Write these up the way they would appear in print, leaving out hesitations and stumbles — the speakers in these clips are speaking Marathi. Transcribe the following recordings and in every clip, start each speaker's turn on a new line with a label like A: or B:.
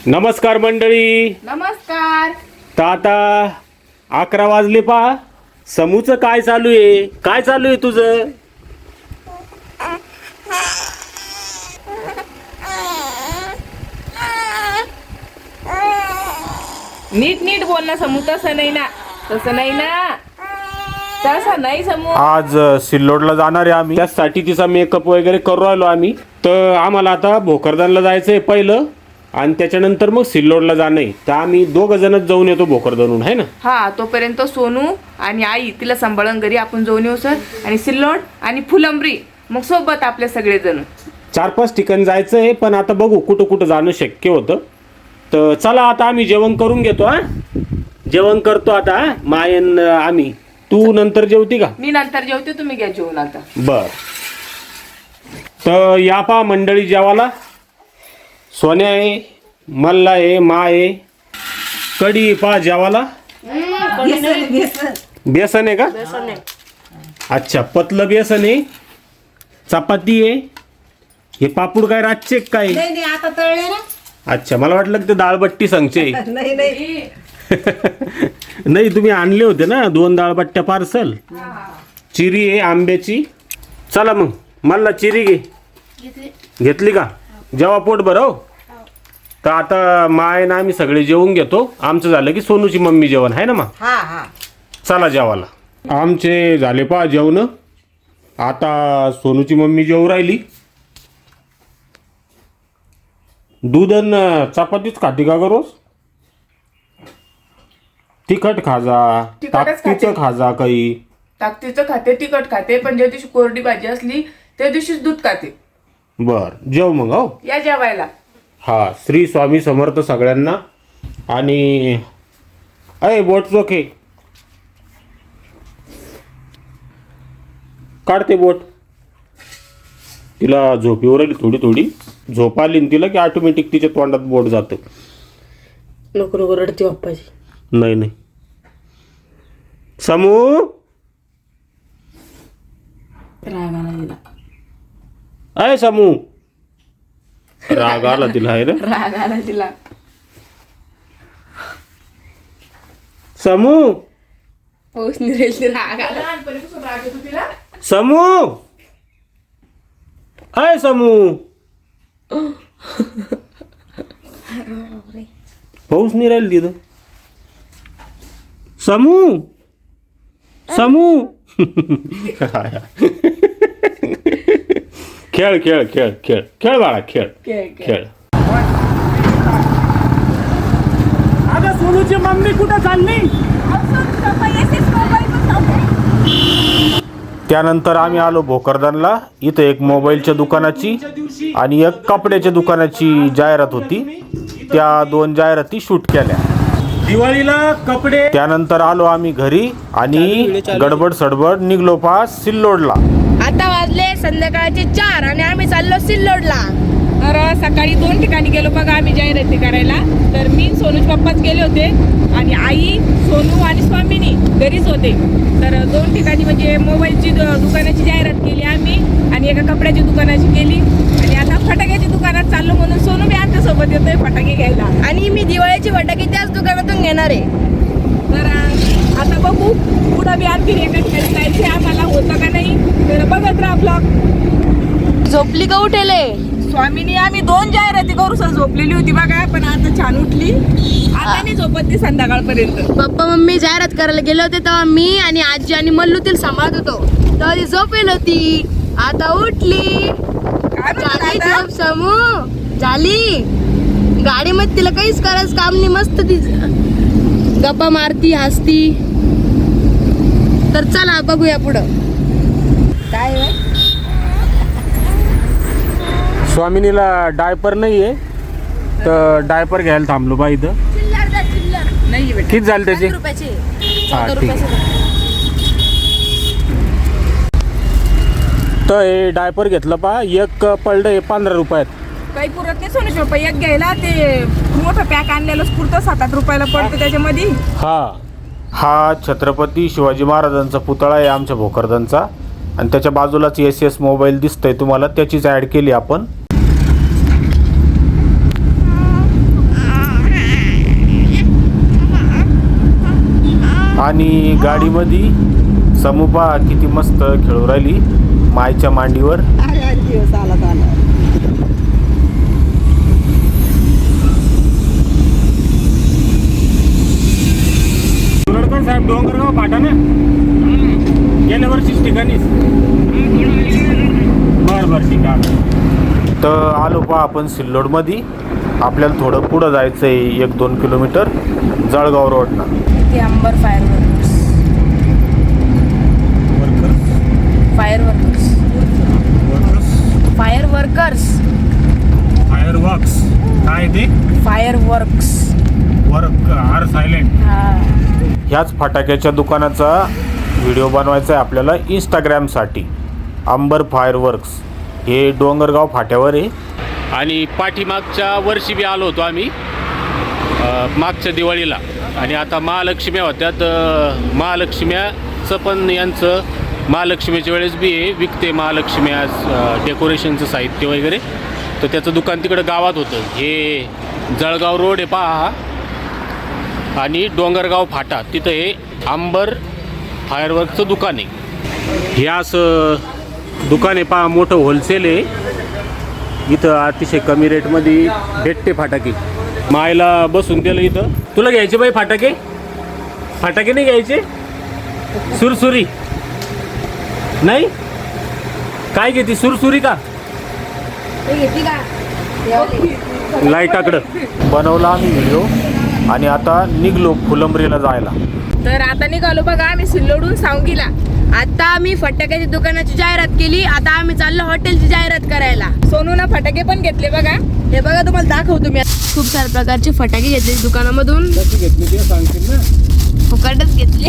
A: नमस्कार मंडळी.
B: नमस्कार.
A: तर आता 11 वाजले पहा. समूचं काय चालू आहे? काय चालू आहे तुझं?
B: नीट नीट बोल ना समू. तसं नाही ना, तसं नाही ना, तसं नाही समू.
A: आज सिल्लोडला जाणार आहे आम्ही. त्यासाठी तिचा मेकअप वगैरे करू राहिलो आम्ही. तर आम्हाला आता भोकरदनला जायचं आहे पहिलं आणि त्याच्यानंतर मग सिल्लोडला जाणं आहे. तर आम्ही दोघं जणच जाऊन येतो भोकरदनहून, आहे ना.
B: हा, तोपर्यंत सोनू आणि आई तिला सांभाळून घरी आपण जाऊन येऊ सर. आणि सिल्लोड आणि फुलंब्री मग सोबत आपले सगळेजण.
A: 4-5 ठिकाणी जायचं आहे, पण आता बघू कुठं कुठं जाणं शक्य होतं. तर चला आता आम्ही जेवण करून घेतो. जेवण करतो आता. मायन आम्ही. तू नंतर जेवती का?
B: मी नंतर जेवते, तुम्ही घ्या जेवून आता.
A: बर. तर या पा मंडळी जेवाला. सोन्या आहे, मल्ला आहे, मा आहे, कढी पा जेवाला. बेसन आहे का? अच्छा, पतलं बेसन आहे, चपाती आहे. हे पापूड काय रातचे काय?
C: नाही आता तळले ना.
A: अच्छा, मला वाटलं की ते डाळबट्टी सांगचे.
C: नाही
A: नाही, तुम्ही आणले होते ना 2 डाळबट्ट्या पार्सल. चिरी आहे आंब्याची. चला मग मला चिरी घे. घेतली का? जेव्हा पोट भर. हो, तर आता माय ना आम्ही सगळे जेवून घेतो. आमचं झालं की सोनूची मम्मी जेवण आहे ना मग.
C: हा हा
A: चला जेवायला. आमचे झाले पहा जेवण. आता सोनूची मम्मी जेवू राहिली. दूध आणि चपातीच खाती का ग रोज? तिखट खाजा,
B: तिखटच खाते.
A: ताकदीचं खाजा काही.
B: ताकदीचं खाते, तिखट खाते, पण ज्या दिवशी कोरडी भाजी असली त्या दिवशीच दूध खाते.
A: बर, जेव मग. हो,
B: या जेवायला.
A: हा, श्री स्वामी समर्थ सगळ्यांना. आणि अय बोट चोखे काढते बोट. तिला झोप येऊ राहिली थोडी थोडी. झोप आली ना तिला की ऑटोमॅटिक तिच्या तोंडात बोट जातं.
C: नको नको रडती बाप्पाची.
A: नाही नाही. समू,
C: राग आला तिला.
A: अय समू. राग आला तिला आहे ना.
B: राग आला तिला.
A: समू,
B: पाऊस निरेल राग आला. लहानपणीपासून राग येतो तिला.
A: समू, अय समू. पाऊस नाही राहील तिथं. समू, समू. खेळ खेळ खेळ खेळ खेळ बाळा खेळ खेळ. आता सोनूची मम्मी कुठं चालली? त्यानंतर आम्ही आलो भोकरदनला. इथं एक मोबाईलच्या दुकानाची आणि एक कपड्याच्या दुकानाची जाहिरात होती. त्या 2 जाहिराती शूट केल्या. दिवाळीला कपडे. त्यानंतर आलो आम्ही घरी आणि गडबड सडबड निघलो पा सिल्लोडला.
D: आता वाजले संध्याकाळचे 4 आणि आम्ही चाललो सिल्लोडला.
B: तर सकाळी 2 ठिकाणी गेलो बघा आम्ही जाहिराती करायला. तर मी सोनूचे पप्पाच गेले होते आणि आई, सोनू आणि स्वामिनी घरीच होते. तर 2 ठिकाणी म्हणजे मोबाईलची दुकानाची जाहिरात केली आम्ही आणि एका कपड्याची दुकानाची केली. आणि आता फटाक्याच्या दुकानात चाललो म्हणून सोनू बी आमच्यासोबत येतोय फटाके घ्यायला.
D: आणि मी दिवाळीचे फटाके त्याच दुकानातून घेणार आहे.
B: तर आता बघू पुढं बी आणखी एका ठिकाणी जायचे आम्हाला, होतं का नाही. तर बघत राहा ब्लॉग.
D: झोपली का उठेले?
B: स्वामीनी आम्ही 2 जाहिराती करू सर झोपलेली होती बघा, पण आता छान उठली. आता नाही झोपत ती संध्याकाळपर्यंत.
D: पप्पा मम्मी जाहिरात करायला गेले होते तेव्हा मी आणि आजी आणि मल्लू तिला सांभाळत होतो. तेव्हा ती झोपेल होती. आता उठली.
B: काय म्हणतात
D: झाली
B: आता?
D: झोप समू झाली. गाडीमध्ये तिला काहीच करायचं काम नाही. मस्त ती गप्पा मारती हसती. तर चला बघूया पुढं काय होय.
A: स्वामिनीला डायपर नाही आहे, तर डायपर घ्यायला थांबलो बा इथं.
B: नाही बेटा.
A: किती झाले त्याचे? हा, ठीक आहे. तर हे डायपर घेतलं पा. एक पडलं हे 15 रुपयात.
B: काही पुरत नाही सोनूचे पप्पा. एक घ्यायला ते मोठं पॅक आणलेलं पुरतं 7-8 रुपयाला पडतं त्याच्यामध्ये.
A: हा छत्रपती शिवाजी महाराजांचा पुतळा आहे आमच्या भोकरदनचा. आणि त्याच्या बाजूलाच SS मोबाईल दिसतंय तुम्हाला, त्याचीच ॲड केली आपण. आणि गाडीमध्ये समूपा किती मस्त खेळू राहिली मायच्या मांडीवर. सुरडकर साहेब डोंगरगाव फाटा ना गेल्या वर्षीच ठिकाणीच. बरं ठीक आहे. तर आलो पहा आपण सिल्लोडमध्ये. आपल्याला थोडं पुढं जायचं आहे 1-2 किलोमीटर जळगाव रोडनं.
B: ते Ambar fire workers fire workers
A: fire works काय ते
B: fire works
A: work are silent.
B: हा.
A: ह्याच फटाक्याच्या दुकानाचा व्हिडिओ बनवायचा आहे आपल्याला इंस्टाग्रामसाठी. अंबर फायर वर्क्स हे डोंगरगाव फाट्यावर आहे. आणि पाठीमागच्या वर्षी बी आलो होतो आम्ही मागच्या दिवाळीला. आणि आता महालक्ष्म्या होत्या तर महालक्ष्म्याचं पण यांचं महालक्ष्मीच्या वेळेस बी विकते महालक्ष्म्या डेकोरेशनचं साहित्य वगैरे. तर त्याचं दुकान तिकडं गावात होतं. हे जळगाव रोड आहे पहा आणि डोंगरगाव फाटा तिथं हे अंबर फायरवर्कचं दुकान आहे. हे असं दुकान आहे पहा, मोठं होलसेल आहे. इथं अतिशय कमी रेटमध्ये भेटते फटाके. मायला बसून दिलं इथं. तुला घ्यायचे बाई फटाके? फटाके नाही घ्यायचे? सुरसुरी नाही? काय घेते सुरसुरी का? लाईटाकडं बनवला आम्ही व्हिडिओ आणि आता निघलो फुलंब्रीला जायला.
B: तर आता निघालो बघा आम्ही सिल्लोडून सांगीला.
D: आता आम्ही फटाक्याची दुकानाची जाहिरात केली. आता आम्ही चाललो हॉटेलची जाहिरात करायला.
B: सोनूनं फटाके पण घेतले बघा.
D: हे बघा तुम्हाला दाखवतो मी. खूप साऱ्या प्रकारचे फटाके घेतले दुकानामधून.
A: कशी घेतली ते सांगतील ना.
D: फुकटच घेतले.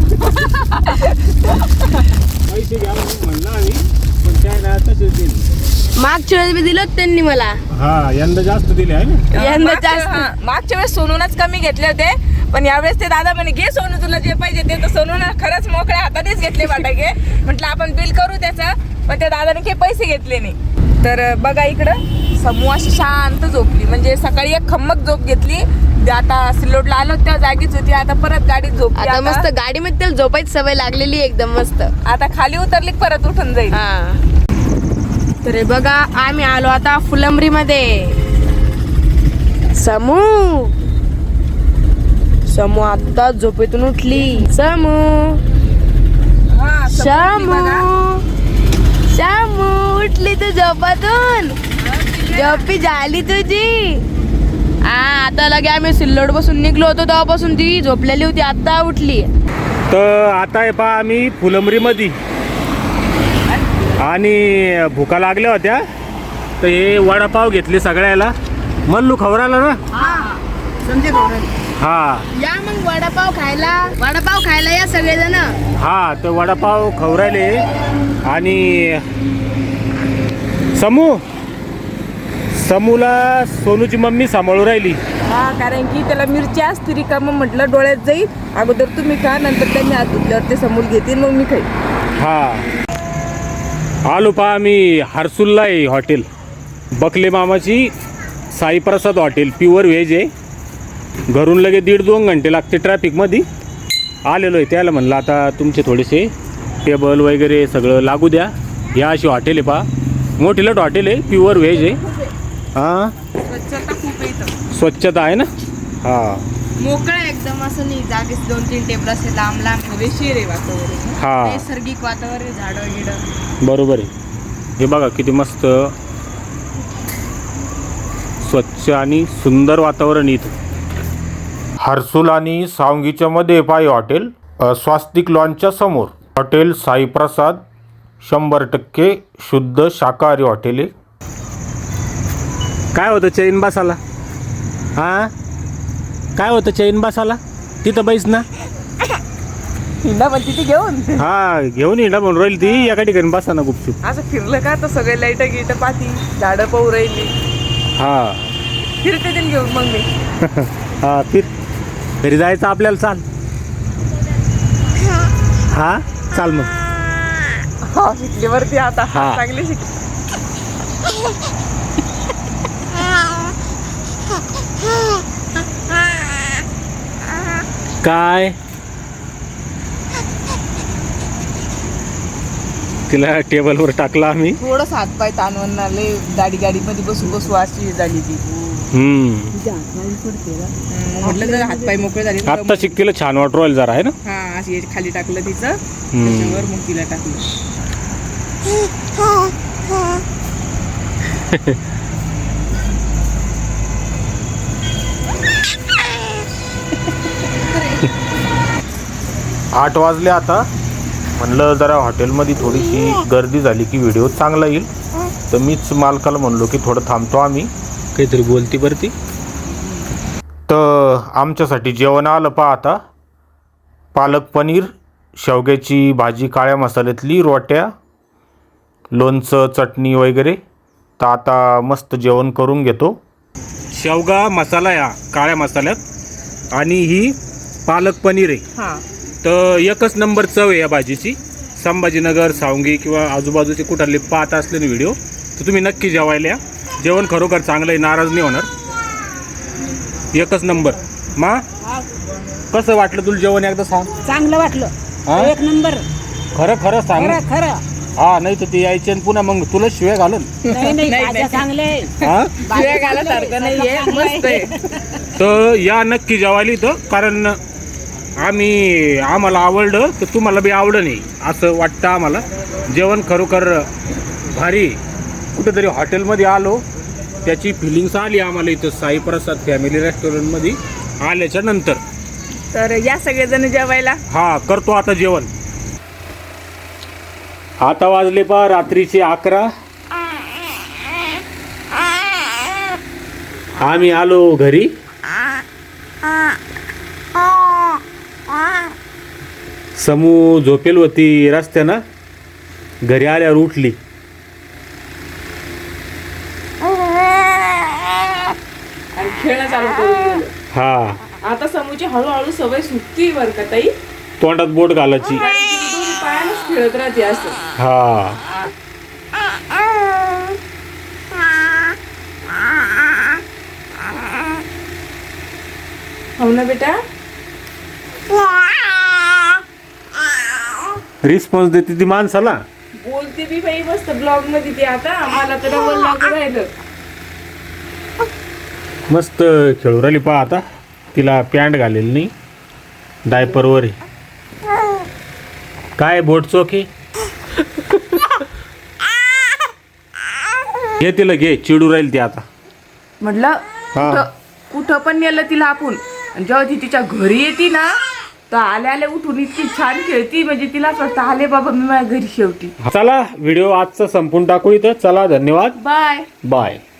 A: पैसे घ्या म्हणलं आम्ही पण काय नाही तसेच दिले.
D: मागच्या वेळेस मी दिलं त्यांनी मला.
A: हा यंदा जास्त दिले आहे ना.
D: यंदा जास्त.
B: मागच्या वेळेस सोनूनच कमी घेतले होते पण यावेळेस ते दादा म्हणे घे सोनू तुला जे पाहिजे ते. तर सोनूनं खरंच मोकळ्या हातानेच घेतले फटाके. म्हटलं आपण बिल करू त्याचं पण त्या दादाने काही पैसे घेतले नाही. तर बघा इकडं समूह अशी शांत झोपली. म्हणजे सकाळी एक खम्मक झोप घेतली. आता सिल्लोडला आलो त्या जागीच होती. आता परत गाडीत झोपली.
D: आता मस्त गाडीमध्ये त्याला झोपायची सवय लागलेली एकदम मस्त.
B: आता खाली उतरली की परत उठून जाईल.
D: हा. तर हे बघा आम्ही आलो आता फुलंब्री मध्ये. समू आता झोपेतून उठली. समू
B: हा, समोर बघा.
D: समू उठली तू झोपातून. झोपी झाली तुझी. हा आता लगे आम्ही सिल्लोड बसून निघलो होतो तेव्हापासून ती झोपलेली होती. आता उठली.
A: तर आता आहे पहा आम्ही फुलंब्रीमध्ये आणि भुका लागल्या होत्या तर हे वडापाव घेतले सगळ्याला. मल्लू खवराला ना. हा
D: या मग वडापाव खायला या सगळेजण.
A: हा तर वडापाव खवरायले. आणि समूला सोनूची मम्मी सांभाळू राहिली.
B: हा कारण की त्याला मिरची असते रिकामं म्हटलं डोळ्यात जाईल. अगोदर तुम्ही खा नंतर त्यांनी हात धुतल्यावर ते समोर घेतील मग मी खाईल.
A: हा आलो पहा आम्ही हर्सुलला आहे हॉटेल. बकले मामाची साईप्रसाद हॉटेल प्युअर व्हेज आहे. घरून लगे 1.5-2 घंटे लागते ट्रॅफिकमध्ये. आलेलो आहे त्याला म्हणलं आता तुमचे थोडेसे टेबल वगैरे सगळं लागू द्या. या अशी हॉटेल आहे पहा. मोठीलट हॉटेल आहे प्युअर व्हेज आहे. हां
B: स्वच्छता खूप येतं.
A: स्वच्छता आहे ना. हां
D: मोकळं एकदम असं नाही. जागेच 2-3 टेबल असे लांब लांब.
B: हवेशीर आहे वातावरण.
A: हां
D: नैसर्गिक वातावरण झाडं गिडं.
A: बरोबर आहे. हे बघा किती मस्त स्वच्छ आणि सुंदर वातावरण इथं. हर्सुल आणि सावंगीच्या मध्ये पाय हॉटेल. स्वास्तिक लॉनच्या समोर हॉटेल साईप्रसाद 100% शुद्ध शाकाहारी हॉटेल आहे. काय होतं चैन बसाला? हां काय होतं चैन बसाला? तिथं बैस ना.
B: हिंडा पण तिथे घेऊन
A: हा घेऊन हिंडा म्हणून राहील ती. एका ठिकाणी बसा ना गुपचूप.
B: असं फिरलं का तर सगळे लाईट गिट पाती झाडं पाहू राहिली.
A: हा
B: फिरते ते घेऊन मग मी.
A: हा फिर घरी जायचं आपल्याला. चाल हा चाल मग.
B: हा शिकली वरती आता.
A: हा.
B: चांगली शिकली.
A: काय तिला टेबलवर टाकला आम्ही.
B: थोडंच हातपाय ताणवून आले, गाडीमध्ये बसू बसू अशी झाली ती. म्हटलं जर हातपाय मोकळे झाले
A: आत्ता शिकतीला छान वाटू राहिलं जरा आहे ना.
B: हा अशी खाली टाकलं तिचं, त्याच्यावर मग तिला टाकलं.
A: आठ वाजले आता. म्हणलं जरा हॉटेलमध्ये थोडीशी गर्दी झाली की व्हिडिओ चांगला येईल, तर मीच मालकाला म्हणलो की थोडं थांबतो आम्ही, काहीतरी बोलती बरती. तर आमच्यासाठी जेवण आलं पहा आता. पालक पनीर, शेवग्याची भाजी, काळ्या मसाल्यातली, रोट्या, लोणचं, चटणी वगैरे. तर आता मस्त जेवण करून घेतो. शेवगा मसाला या काळ्या मसाल्यात आणि ही पालक पनीर आहे.
B: हा
A: तर एकच नंबर चव आहे या भाजीची. संभाजीनगर, सावंगी किंवा आजूबाजूचे कुठाले पाहत असलेले व्हिडिओ तर तुम्ही नक्की जेवायला या. जेवण खरोखर चांगलं आहे, नाराज नाही होणार. एकच नंबर. मा कसं वाटलं तुला जेवण एकदा सांग.
C: चांगलं वाटलं,
A: हा?
C: एक नंबर.
A: खरं खरं सांग.
C: खरं खरं.
A: हा, नाही तर ते यायचे आणि पुन्हा मग तुला शिव्या घालून.
C: नाही नाही,
B: नाही,
C: भाज्या चांगले.
A: हा,
B: शिव्या घालासारखं नाहीये, मस्त आहे.
A: तर या नक्की जेवायला इथं, कारण आम्हाला आवडलं तर तुम्हाला बी आवडलं नाही असं वाटतं आम्हाला. जेवण खरोखर भारी. कुठेतरी हॉटेलमध्ये आलो त्याची फिलिंग्स आली आम्हाला इथं साईप्रसाद फॅमिली रेस्टॉरंटमध्ये आल्याच्या नंतर.
B: तर या सगळेजण जेवायला.
A: हा, करतो आता जेवण. आता वाजले पहा रात्रीचे 11. आम्ही आलो घरी. समू झोपेल होती रस्त्यानं, घरी आल्यावर उठली.
B: आणि खेळणं चालू करून दिलं.
A: हा,
B: आता समूची हळूहळू सवय सुटती बरं का ताई.
A: तोंडात बोट घालायची.
B: कारण की ती दोन्ही पायानेच खेळत राहते असं.
A: हा,
B: हो ना बेटा.
A: रिस्पॉन्स देते ती माणसाला.
B: बोलते बी बाई मस्त ब्लॉग मध्ये ती. आता मला तर डबल लागू राहिलं.
A: मस्त खेळू राहिली पहा आता. तिला पॅन्ट घालेली नाही, डायपरवर आहे. काय बोट चोखे घे, तिला घे. चिडू राहील ती आता.
B: म्हटलं
A: हा.
B: कुठं पण नेलं तिला आपण. आणि जेव्हा ती तिच्या घरी येते ना, तर आल्या आल्या उठून इतकी छान खेळती, म्हणजे तिला असं वाटतं आले बाबा मी माझ्या घरी शेवटी.
A: चला व्हिडिओ आजचा संपून टाकू इथं. चला, धन्यवाद.
B: बाय.
A: बाय.